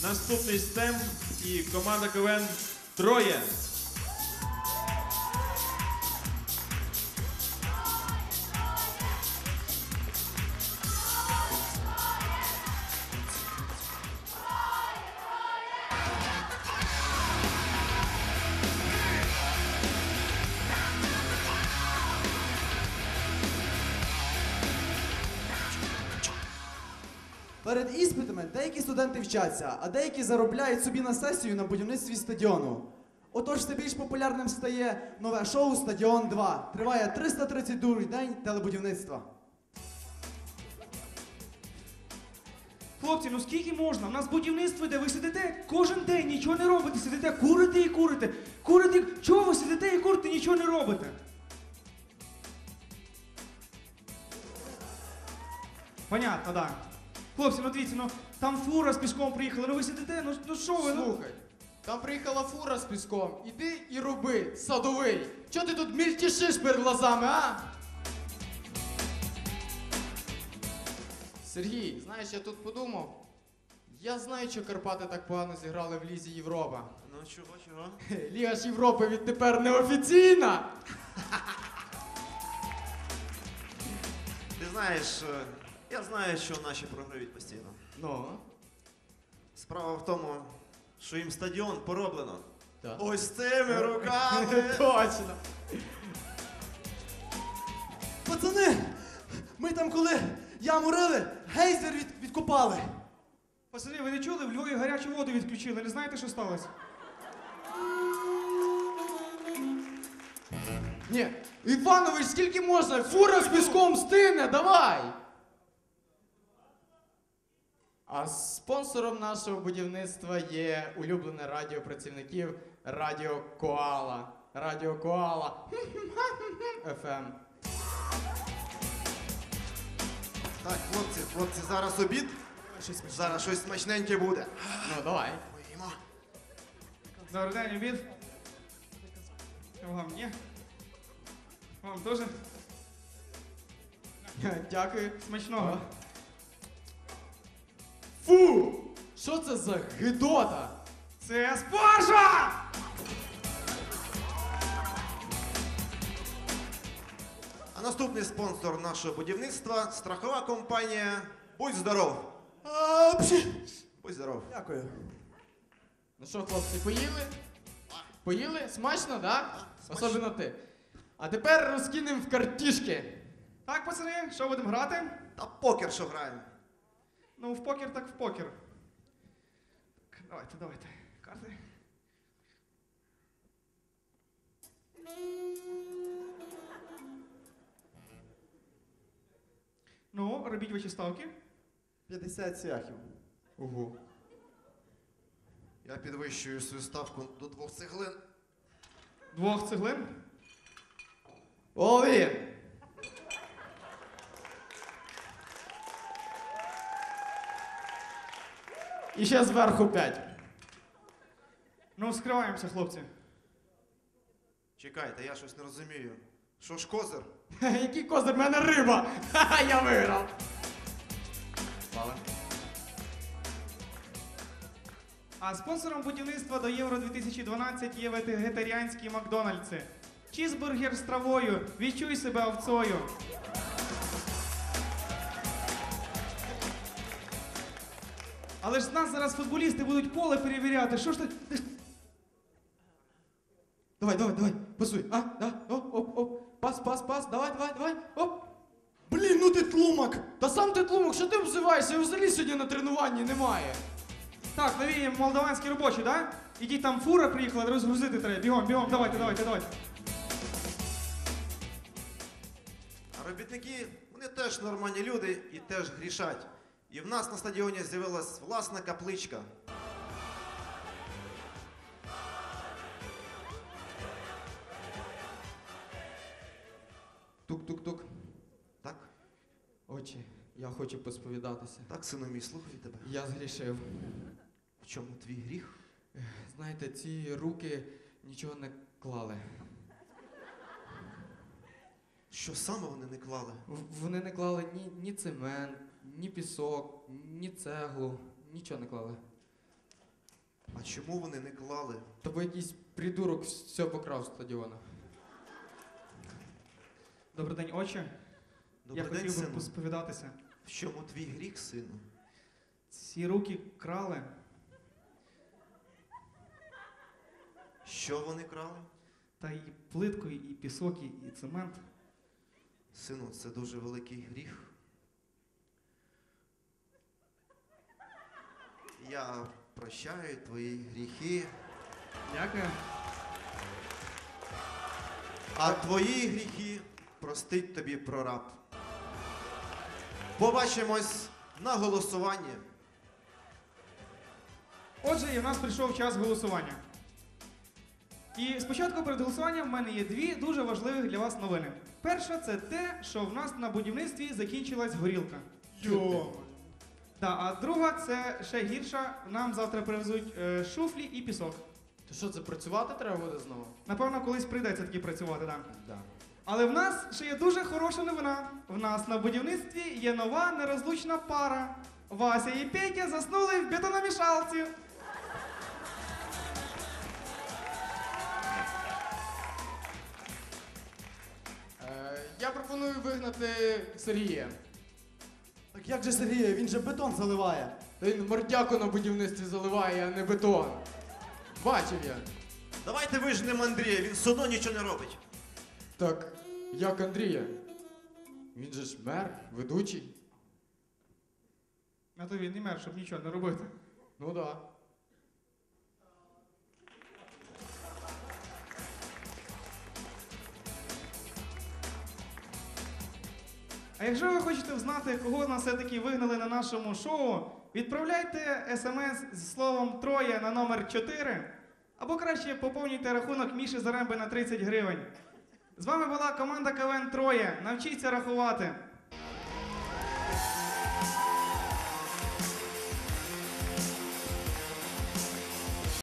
Наступний стем і команда КВН «Троє». Перед іспитами деякі студенти вчаться, а деякі заробляють собі на сесію на будівництві стадіону. Отож, все більш популярним стає нове шоу «Стадіон 2». Триває 332-й день телебудівництва. Хлопці, ну скільки можна? У нас будівництво йде, ви сидите кожен день, нічого не робите, сидите, курите і курите. Курите, чого ви сидите і курите, нічого не робите? Понятно, да. Хлопці, ну дивіться, ну там фура з піском приїхала, ну ви сидите, ну що ви? Ну? Слухай, там приїхала фура з піском. Іди і роби, садовий. Чого ти тут мільтішиш перед глазами, а? Сергій, знаєш, я тут подумав. Я знаю, що Карпати так погано зіграли в Лізі Європа. Ну чого? Ліга ж Європи відтепер неофіційна. Ти знаєш, я знаю, що наші програють постійно. Ну? Справа в тому, що їм стадіон пороблено. Так. Ось цими руками. Точно. Пацани, ми там коли яму рили, гейзер відкопали. Пацани, ви не чули? В Львові гарячу воду відключили, не знаєте, що сталося? Ні, Іванович, скільки можна? Фура з піском стине, давай! А спонсором нашого будівництва є улюблене радіо працівників Радіо Коала. Радіо Коала. FM. Так, хлопці, зараз обід. Зараз щось смачненьке буде. Ну, давай. Поїмо. Добрий день, обід. Вам ні? Вам теж? Дякую. Смачного. Фу! Що це за гидота? Це спаржа! А наступний спонсор нашого будівництва – страхова компанія «Будь здоров». Будь здоров. Дякую. Ну що, хлопці, поїли? Поїли? Смачно, да? Смачно. Особливо ти. А тепер розкинемо в картішки. Так, пацани, що будемо грати? Та покер що граємо. Ну, в покер так в покер. Так, давайте. Карти. Ну, робіть ваші ставки. 50 цвяхів. Ого. Я підвищую свою ставку до 2 цеглин. 2 цеглин. Олін! І ще зверху 5. Ну, скриваємося, хлопці. Чекайте, я щось не розумію. Що ж козир? Який козир, в мене риба! Ха-ха, я виграв! Слава. А спонсором будівництва до Євро 2012 є вегетаріанські Макдональдси. Чізбургер з травою. Відчуй себе овцою. Але ж з нас зараз футболісти будуть поле перевіряти. Що ж ти? Давай, пасуй. А, да, оп. Пас, давай, оп. Блін, ну ти тлумак! Та сам ти тлумок, що ти обзиваєшся? Його взагалі сьогодні на тренуванні немає. Так, нові молдаванські робочі, так? Ідіть, там фура приїхала, розгрузити треба. Бігом, давайте. А робітники, вони теж нормальні люди і теж грішать. І в нас на стадіоні з'явилась власна капличка. Тук-тук-тук. Так? Отче, я хочу посповідатися. Так, сину мій, слухаю тебе. Я згрішив. В чому твій гріх? Знаєте, ці руки нічого не клали. Що саме вони не клали? Вони не клали ні цемент, ні пісок, ні цеглу. Нічого не клали. А чому вони не клали? То бо якийсь придурок все покрав з стадіона. Добрий день, отче. Добрий Я день, хотів би сину. посповідатися. В чому твій гріх, сину? Ці руки крали. Що вони крали? Та і плитку, і пісок, і цемент. Сину, це дуже великий гріх. Я прощаю твої гріхи, Дякую. а твої гріхи простить тобі прораб. Побачимось на голосуванні. Отже, і в нас прийшов час голосування. І спочатку перед голосуванням в мене є дві дуже важливих для вас новини. Перша це те, що в нас на будівництві закінчилась горілка. А друга це ще гірша. Нам завтра привезуть шуфлі і пісок. То що, це працювати треба буде знову? Напевно, колись прийдеться таки працювати, так. Да. Але в нас ще є дуже хороша новина. В нас на будівництві є нова нерозлучна пара. Вася і Петя заснули в бетономішалці. Я пропоную вигнати Сергія. Так як же Сергій, він же бетон заливає. Та він мордяку на будівництві заливає, а не бетон. Бачив я. Давайте вижнемо Андрія, він все одно нічого не робить. Так, як Андрія? Він же ж мер, ведучий. А то він не мер, щоб нічого не робити. Ну да. А якщо ви хочете знати, кого нас все-таки вигнали на нашому шоу, відправляйте смс зі словом «Троє» на номер 4, або краще поповнюйте рахунок Міші Заремби на 30 гривень. З вами була команда КВН «Троє». Навчіться рахувати.